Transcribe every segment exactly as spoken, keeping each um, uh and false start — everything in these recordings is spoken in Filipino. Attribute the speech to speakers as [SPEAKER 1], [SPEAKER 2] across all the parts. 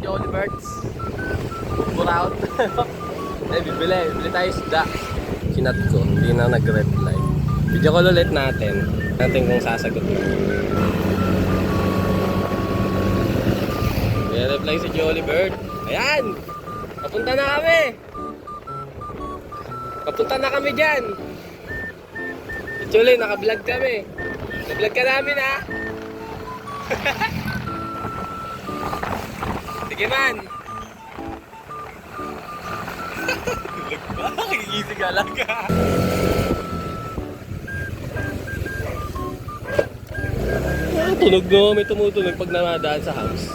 [SPEAKER 1] Jolly Birds. Buraut. Eh, bibili. Bibili tayo isda. Kinat ko. Hindi na nag-reply. Video call ulit natin. Natin kung sasagot na. May reply si Jolly Bird. Ayan! Papunta na kami! Papunta na kami dyan! Actually, naka-vlog kami. Na-vlog ka namin, ha? Sige man! Vlog ba? Kikigisig ka lang ka. Ah, tunog no, may tumutunog pag namadaan sa house.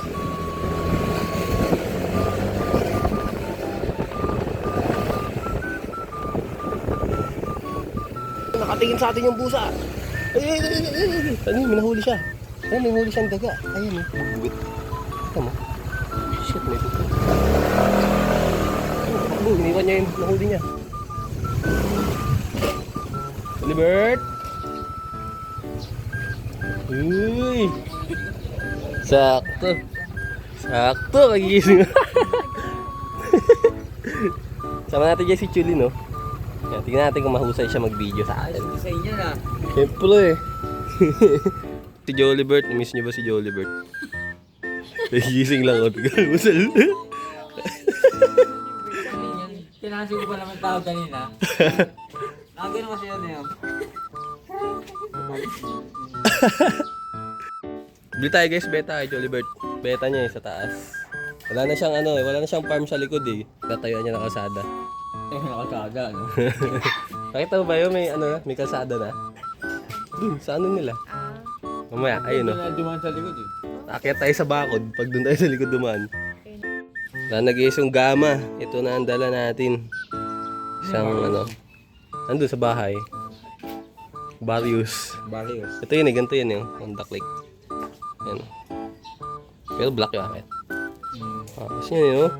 [SPEAKER 1] Nakatingin sa atin yung busa. Ay, ay, ay, ay, ay. Ano yun? May nahuli siya. Ayun, may nahuli siyang daga. Ayun, eh. Buwit. Ito mo. Shit, may buto. Oh, iniwan niya yung nahuli niya. Libert! Uy! Sakto. Sakto, kagigising. Sama natin dyan si Chuli, no? Yan, tingnan natin kung mahusay siya mag-video sa atin.
[SPEAKER 2] Ayos sa inyo na.
[SPEAKER 1] Siyempre eh. Si Jolibert, miss niyo ba si Jolibert? Nagising lang ako. Usal.
[SPEAKER 2] Pinansin ko pa naman tao kanina. Nakagano kasi yun eh.
[SPEAKER 1] Bili tayo guys, beta kay Jolibert. Beta niya eh, sa taas. Wala na siyang ano eh, wala na siyang farm sa likod eh. Tatayuan niya ng kalsada.
[SPEAKER 2] Eh, nakakaga, no?
[SPEAKER 1] Nakita mo ba yun? May ano na, may kalsada na. Dun, sa ano nila? Mamaya, ayun o.
[SPEAKER 2] Doon na dumaan sa likod eh.
[SPEAKER 1] Akyat tayo sa bakod pag doon tayo sa likod dumaan. Wala nag-iis yung gama. Ito na ang dala natin. Isang ano. Nandun sa bahay. Barrios.
[SPEAKER 2] Barrios.
[SPEAKER 1] Ito yun eh, ganito yun yung Honda Click. Yan. Pero black yung akit.
[SPEAKER 2] Hmm.
[SPEAKER 1] Ah, kasi yun yun.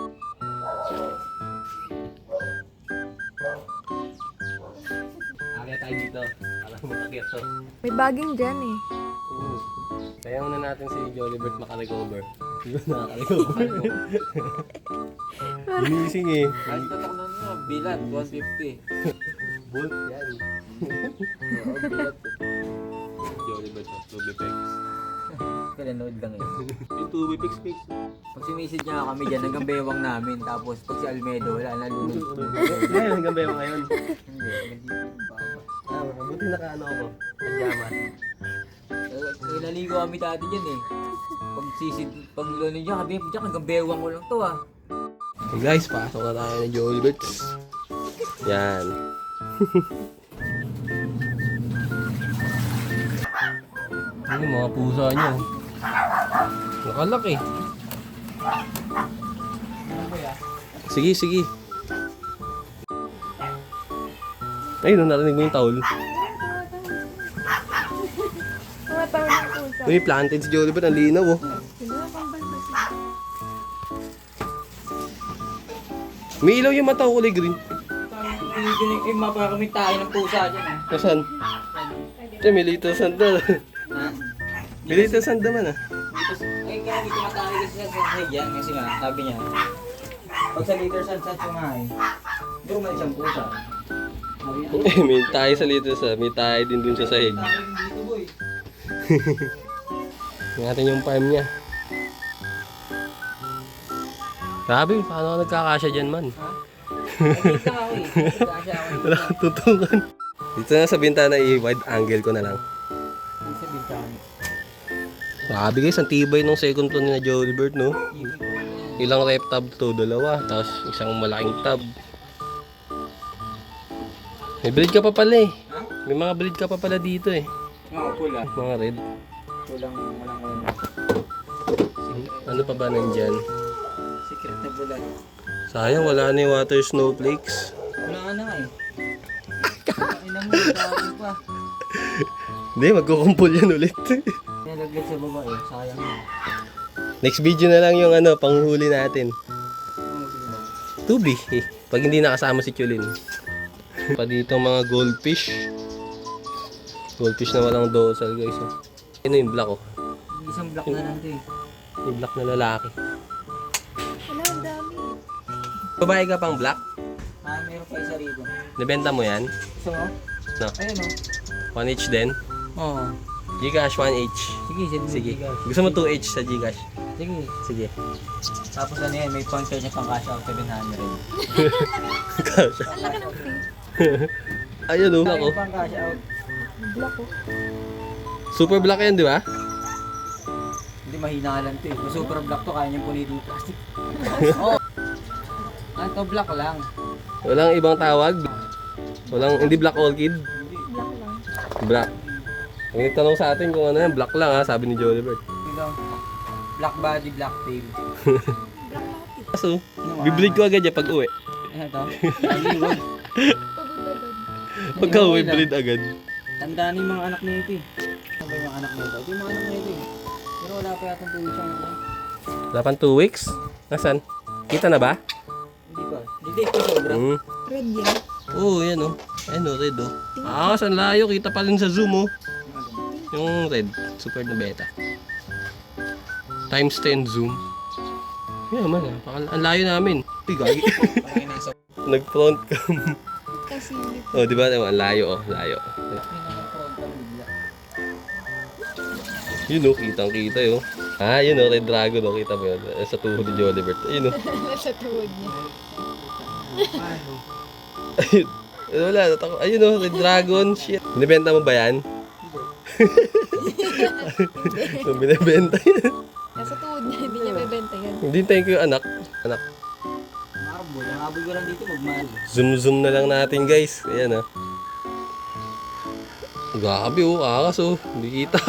[SPEAKER 1] Akyat tayo dito. Alam mo akyat to.
[SPEAKER 3] May baging dyan eh.
[SPEAKER 1] Oo. Kaya muna natin si Jolibert makarecover. Hindi ba nakaka-recover? Ginising eh.
[SPEAKER 2] Kahit tatak na nyo, bilat, one fifty.
[SPEAKER 1] Bolt yan.
[SPEAKER 2] Oo, bilat.
[SPEAKER 1] Jolibert of Tubipex.
[SPEAKER 2] Pinanood lang yun.
[SPEAKER 1] Yung Tubipex Pex.
[SPEAKER 2] Pag simisid niya kami dyan, hanggang bewang namin. Tapos pag si Almedo, wala na lunod.
[SPEAKER 1] Ngayon, hanggang ba yung ngayon?
[SPEAKER 2] Hindi, hindi. Baba.
[SPEAKER 1] Ah, mabuti nakaano ako. Pajamas.
[SPEAKER 2] Eh, naligo kami dati dyan eh. Pag sisid, pag lunod niya, kami dyan, hanggang bewang ko lang to ah.
[SPEAKER 1] Hey guys, pasok na tayo ng Jolibert. Yan. Ano yung mga pusa nyo? Nakalaki. Sige, sige. Ayun, narinig mo yung towel.
[SPEAKER 3] Tumatawag ng pusa.
[SPEAKER 1] Uy, planted si Jolibert. Ang linaw oh.
[SPEAKER 3] Sino na pang balbas?
[SPEAKER 1] May ilaw yung mata ko kulay green.
[SPEAKER 2] Piniginig yung mapa kami tayo ng pusa dyan ah.
[SPEAKER 1] Nasaan? Ito, may little sand na.
[SPEAKER 2] Ha?
[SPEAKER 1] May little sand naman ah.
[SPEAKER 2] Dito, ay kaya hindi kumatahay kasi sa sahig yan kasi nga, sabi niya, pag sa liter saan saan sumahay, doon man siyang pusa. Sabi niya,
[SPEAKER 1] Eh, may tayo sa little sand. May tayo din dun sa sahig.
[SPEAKER 2] tayo rin dito boy.
[SPEAKER 1] Tingnan natin yung farm niya. Grabe, paano ka nagkakasya dyan man?
[SPEAKER 2] Ha? Ay, dito ako eh. Kasi ako
[SPEAKER 1] Wala kang tutungan. Dito na sa bintana, i-wide angle ko na lang.
[SPEAKER 2] dito sa bintana.
[SPEAKER 1] Grabe guys, ang tibay ng second floor ni na Jolibert, no? Ilang rep tab to? Dalawa. Tapos isang malaking tab. May breed ka pa pala eh.
[SPEAKER 2] Ha?
[SPEAKER 1] May mga breed ka pa pala dito eh.
[SPEAKER 2] Oo, pula.
[SPEAKER 1] Mga red.
[SPEAKER 2] Pulang, walang ano.
[SPEAKER 1] Ano pa ba nandyan?
[SPEAKER 2] Secret na pula.
[SPEAKER 1] Sayang, wala na yung water snowflakes.
[SPEAKER 2] Wala ka na nga eh. Ina mo, tawag pa.
[SPEAKER 1] Hindi, magkukumpul yan ulit.
[SPEAKER 2] Nilaglag sa baba eh, sayang na.
[SPEAKER 1] Next video na lang yung ano, panghuli natin.
[SPEAKER 2] Ano sige ba?
[SPEAKER 1] Tubi eh. Pag hindi nakasama si Chulin. Pa dito mga goldfish. Goldfish na walang dorsal guys. Oh. Ano yung black oh?
[SPEAKER 2] Isang block na lang to eh.
[SPEAKER 1] Yung black na lalaki.
[SPEAKER 3] Wala, ang dami.
[SPEAKER 1] Babae ka pang black?
[SPEAKER 2] Ah, meron pa isa rito.
[SPEAKER 1] Nabenta mo yan?
[SPEAKER 2] Gusto mo?
[SPEAKER 1] No.
[SPEAKER 2] Ayun o.
[SPEAKER 1] one H din?
[SPEAKER 2] Oo.
[SPEAKER 1] Gcash one H.
[SPEAKER 2] Sige, sige.
[SPEAKER 1] Sige. Gusto mo two H sa Gcash?
[SPEAKER 2] Sige.
[SPEAKER 1] Sige.
[SPEAKER 2] Tapos ano yan, may pang charge niya pang cash out seven hundred.
[SPEAKER 1] Cash.
[SPEAKER 3] Ang laki ng free.
[SPEAKER 1] Ayun o.
[SPEAKER 2] May
[SPEAKER 1] Ako.
[SPEAKER 2] pang cash out.
[SPEAKER 3] Black ko.
[SPEAKER 1] Super black yan, di ba?
[SPEAKER 2] Hindi, mahina ka lang ito eh. Kung super black to, kaya niyang punitin yung plastic. Oo. Ah, to black lang.
[SPEAKER 1] Walang ibang tawag. Walang, hindi black orchid.
[SPEAKER 3] Black lang.
[SPEAKER 1] Black. Ang nagtanong sa atin kung ano yan, black lang ha, sabi ni Jolibert.
[SPEAKER 2] Ito. Black body, black tail.
[SPEAKER 3] Black lahat eh.
[SPEAKER 1] Kaso, bibleed ko agad yan pag uwi.
[SPEAKER 2] Ano ito? Aliwag.
[SPEAKER 3] Pagod agad.
[SPEAKER 1] Pagka uwi, bleed agad.
[SPEAKER 2] Tandaan yung mga anak nito eh. Ano ba yung mga anak nito? Ito yung mga anak nito eh. Pero wala pa yatang tuloy siyang ano.
[SPEAKER 1] Wala pang two weeks? Nasaan? Kita na ba?
[SPEAKER 2] Hindi pa. Hindi ito sobra.
[SPEAKER 1] Hmm.
[SPEAKER 3] Red yan.
[SPEAKER 1] Oo, oh, yan o. Oh. Ayun o, red o. Oh. Ah, saan layo? Kita pa rin sa zoom o. Oh. Yung red, super na beta. Times ten zoom. Yan man, ah. Ang layo namin. Uy, gagi.
[SPEAKER 2] Parang yung nasa...
[SPEAKER 1] Nag-front cam.
[SPEAKER 3] Kasi
[SPEAKER 1] Oh, di ba? Ang layo oh, layo. Yun oh, kitang kita yun. Ah, yun oh, red dragon oh, kita mo yun. Eh, Sa tuhod ni Jolibert. Ayun oh.
[SPEAKER 3] nasa tuhod niya.
[SPEAKER 1] Ayun. Eh, Wala, natako. Ayun oh, red dragon. Shit. Binibenta mo ba yan? So, binibenta yan.
[SPEAKER 3] Nasa tuhod niya, hindi niya bebenta yan.
[SPEAKER 1] Hindi tayo ko yung anak. Anak.
[SPEAKER 2] Nakabol. Ang habol ko lang dito, magmahal.
[SPEAKER 1] Zoom zoom na lang natin guys. Ayan oh. Grabe oh, akas oh. Hindi kita.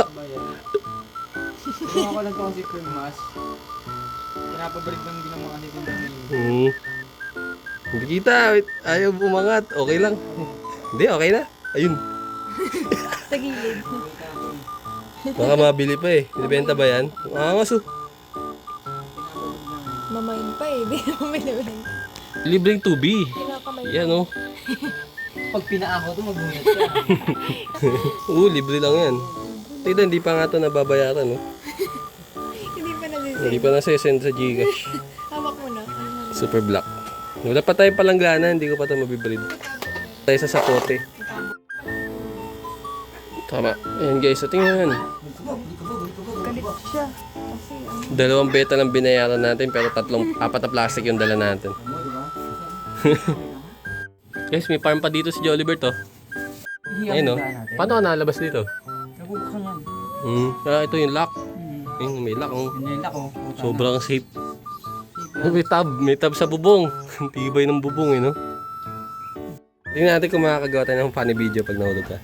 [SPEAKER 2] Kung ako lang ito kasi cream mask. Pinapabalik lang din ang mga kanito ng
[SPEAKER 1] Hmm. Hindi kita. Wait. Ayaw umangat. Okay lang. Hindi, okay na. Ayun.
[SPEAKER 3] Sa gilid.
[SPEAKER 1] Baka mabili pa eh. Binibenta ba yan? Angas oh.
[SPEAKER 3] Mamain pa eh, hindi naman binibenta.
[SPEAKER 1] Libreng two B.
[SPEAKER 3] Kinakamain.
[SPEAKER 1] Yan oh.
[SPEAKER 2] Pag pinaako to, magbungat ka.
[SPEAKER 1] Oo, libre lang yan. Tita, hindi pa nga ito nababayaran oh.
[SPEAKER 3] Hindi pa nasisend.
[SPEAKER 1] Hindi pa nasisend sa Gcash.
[SPEAKER 3] Hawak mo na. Ano?
[SPEAKER 1] Super black. Wala pa tayong palanggana, hindi ko pa ito mabibreed. Tayo sa sapote. Tama. Ayan guys, so tingnan.
[SPEAKER 3] Galit siya. Kasi ano.
[SPEAKER 1] Dalawang beta lang binayaran natin pero tatlong, apat na plastic yung dala natin. Guys, may farm pa dito si Jolibert oh. Ayun oh. Paano ka nalabas dito?
[SPEAKER 2] Nabubuksan yan.
[SPEAKER 1] Hmm. Ah, ito yung lock.
[SPEAKER 2] Hmm.
[SPEAKER 1] Ayun, may lock oh.
[SPEAKER 2] Yun yung lako.
[SPEAKER 1] Sobrang safe. May tab, may tab sa bubong. Tibay ng bubong eh no. Tingnan natin kung makakagawa tayo ng funny video pag nahulog ka.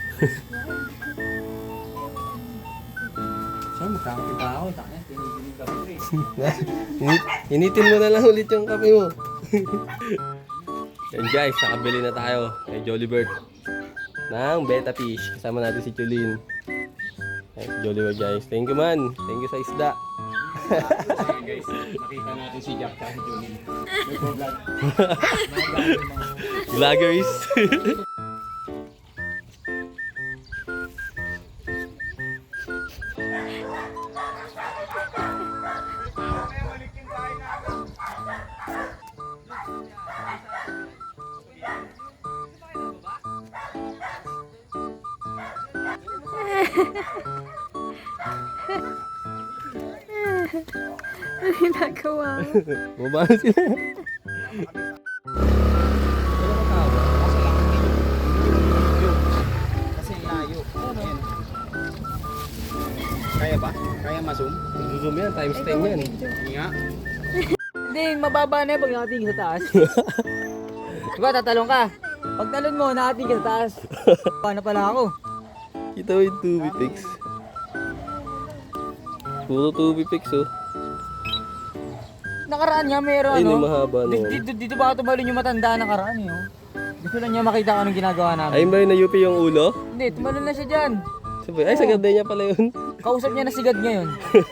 [SPEAKER 2] Saan magkakati pa ako? Takya, tiniginig ka pa rin.
[SPEAKER 1] Init, initin mo na lang ulit yung kape mo. Yan guys, nakabili na tayo kay Jolibert ng beta fish. Kasama natin si Chulin. Ay, si Jolibert guys. Thank you man. Thank you sa isda.
[SPEAKER 2] Guys, nakita natin si Jack at si Julie. May vlog.
[SPEAKER 1] Vloggers.
[SPEAKER 3] Ano ginagawa mo?
[SPEAKER 1] Baba na sila.
[SPEAKER 2] Kasi layo. Ayan. Kaya ba? Kaya ma-zoom?
[SPEAKER 1] Zoom yan, times ten yan.
[SPEAKER 2] Hindi nga. Hindi, mababa na yung pag nakatingin sa taas. Diba, tatalong ka. Pag talon mo, nakatingin ka sa taas. Paano pala ako?
[SPEAKER 1] Kita mo yung two B pics. Puro two B pics oh.
[SPEAKER 2] Nakaraan nga meron
[SPEAKER 1] Ayun
[SPEAKER 2] ano.
[SPEAKER 1] yung mahaba na
[SPEAKER 2] Dito,
[SPEAKER 1] yan.
[SPEAKER 2] dito, dito ba tumalon yung matanda nakaraan eh. Oh. Gusto lang niya makita kung anong ginagawa namin.
[SPEAKER 1] Ayun ba yung na-U P yung ulo?
[SPEAKER 2] Hindi, tumalon na siya dyan.
[SPEAKER 1] Sabi, ay, sa ganda niya pala yun.
[SPEAKER 2] Kausap niya na sigad ngayon.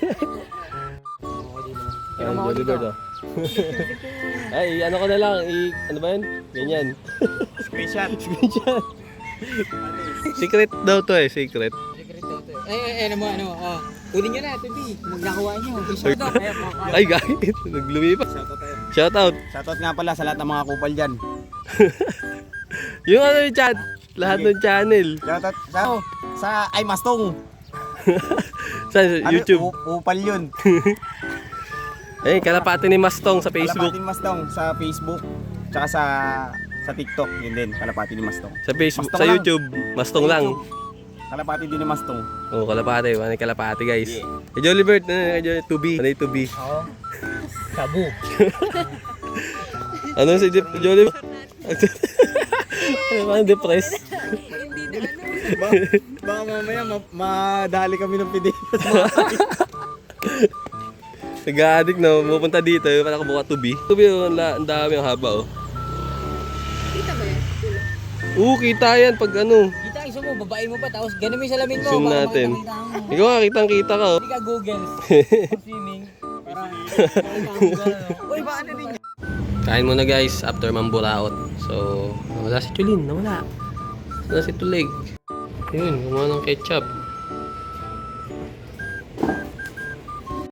[SPEAKER 1] Ayun, Jolibert oh. Ay, ano ko na lang, i, ano ba yun? Ganyan.
[SPEAKER 2] Screenshot.
[SPEAKER 1] Screenshot. Secret daw to eh, secret.
[SPEAKER 2] Secret daw to. Eh, eh, ano mo, ano, oh. Kunin nyo na, T V. Magnakuha nyo. Shoutout.
[SPEAKER 1] Ay guys, naglumipas. Shoutout.
[SPEAKER 4] Shoutout nga pala sa lahat ng mga kupal dyan.
[SPEAKER 1] Yung ano yung chat, lahat ng channel.
[SPEAKER 4] Shoutout sa, sa ay Mastong.
[SPEAKER 1] Sa
[SPEAKER 4] Ano,
[SPEAKER 1] YouTube.
[SPEAKER 4] u- upal yun.
[SPEAKER 1] Eh, kalapati ni Mastong sa Facebook.
[SPEAKER 4] Kalapati ni Mastong sa Facebook. Tsaka sa sa TikTok. Yun din, kalapati ni Mastong.
[SPEAKER 1] Sa Facebook,
[SPEAKER 4] Mastong
[SPEAKER 1] sa
[SPEAKER 4] lang.
[SPEAKER 1] YouTube, Mastong lang.
[SPEAKER 4] Kalapati din ni Mastong.
[SPEAKER 1] Oh, kalapati, ano yung kalapati guys. Kay Jollibert, ano kay Jollibert, to be. Ano yung to be?
[SPEAKER 2] Oo. Sabu.
[SPEAKER 1] Ano si Jeff- Jollibert? Ano parang depressed?
[SPEAKER 3] Hindi na ano.
[SPEAKER 4] Ba, baka mamaya ma- madali kami ng pidi.
[SPEAKER 1] Nag-addict na, pupunta dito, yung parang buka to be. To be, oh, ang la- ang dami, ang haba oh.
[SPEAKER 3] Kita ba yan?
[SPEAKER 1] Oo, kita yan pag ano.
[SPEAKER 2] Kita iso mo, babae mo pa, tapos ganun mo yung salamin mo.
[SPEAKER 1] Zoom
[SPEAKER 2] para
[SPEAKER 1] natin.
[SPEAKER 2] makita-kita mo.
[SPEAKER 1] Ikaw nga, kitang-kita ka oh.
[SPEAKER 2] Hindi ka Google. For swimming. Para makita mo gano'n. Uy, baka na rin yun.
[SPEAKER 1] Kain muna guys, after mamburaot. So, nawala si Chulin, nawala. Nawala si Tulig. Yun, gumawa ng ketchup.